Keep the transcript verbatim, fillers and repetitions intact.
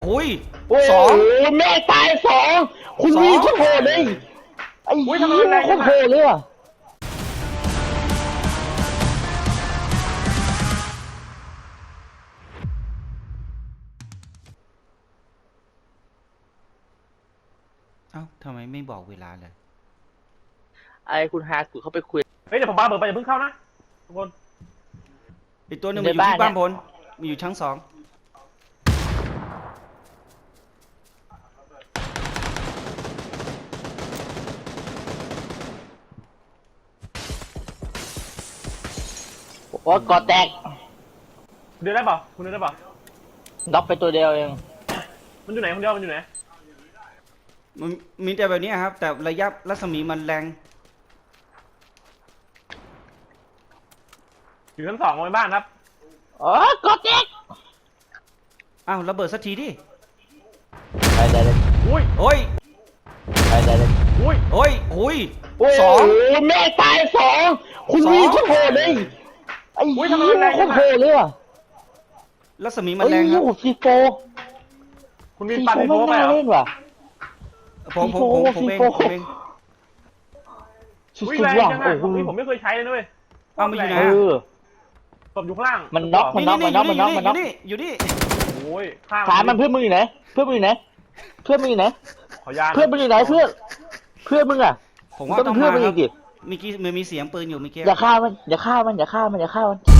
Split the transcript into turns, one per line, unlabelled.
โอ้ยส
ส
อ
อง งแม่ตายสองคุณวีโคตรโหดเลยไอ้ยี่โคตรโหดเลยอ่ะ
เอ้าทำไมไม่บอกเวลาเลย
ไอ้คุณฮากุเขาไปคุย
เฮ้ยเดี๋ยวผมปาเบิร์ดไปอย่าเพิ่งเข้านะทุกคน
อีกตัวหนึงมันอยู่ที่บ้านบนมันอยู่ชั้นสอง
โอ้กอแตก
คุณเดินได้เปล่าคุณเดินได้เปล่า
น็อกไปตัวเดียวเอง
มันอยู่ไหนคนเดียวมันอยู่ไหน
มันมีแต่แบบนี้ครับ แต่ระยะรัศมีมันแรง
อยู่ชั้นสองในบ้านครับ
อ๋อกอแตก
อ้าวระเบิดสักทีดิ
ไปได้เลย
อุ้ย
โอ้ย
ไปได้เลย
อุ้ย
โอ้ยโอ้ย
ส
ส
อ
อง
งแม่ตายสองคุณวีโคตรโหดเลยไอ้ยี่โคตรโหดเลยอ่ะ
รัศมีมันแรงครับ
โอ้ซีโฟ
คุณมี
ซี
ปัน
โฟ
มี
ไม่
โฟไป
น่า
เหรอ
เล่นว่ะ
ผมผมผมผมเอง
ซีโฟ
ผมเอง
สุ
อุ้ย
ด
แรง
ๆว่ะ
จัง
โอ้
อะ
โห
ผมไม่เคยใช้เลยนะเว้ย
เอามาอยู่ไหน
เอ
อะ
อ
ศพอยู่ข้างล่าง
มันน็อก
นี่นี่นี่อยู่นี่อยู่นี่อยู่นี่
โอ้ยข้าง
ถามมันเพื่อนมึงอยู่ไหนเพื่อนมึงอยู่ไหนเพื่อนมึงอยู่ไหน
ขอยา
เพื่อนมึงอยู่ไหนเพื่อนเพื่อนมึงอ่ะ
ผมว่า
ต้
ต้
อ
อง ง
เพื่อ
มาน
มึง
ค
อี
รับ
กดิ
เมื่อกี้มันมีเสียงปืนอยู่เมื่อกี้
อย่าฆ่ามันอย่าฆ่ามันอย่าฆ่ามันอย่าฆ่ามัน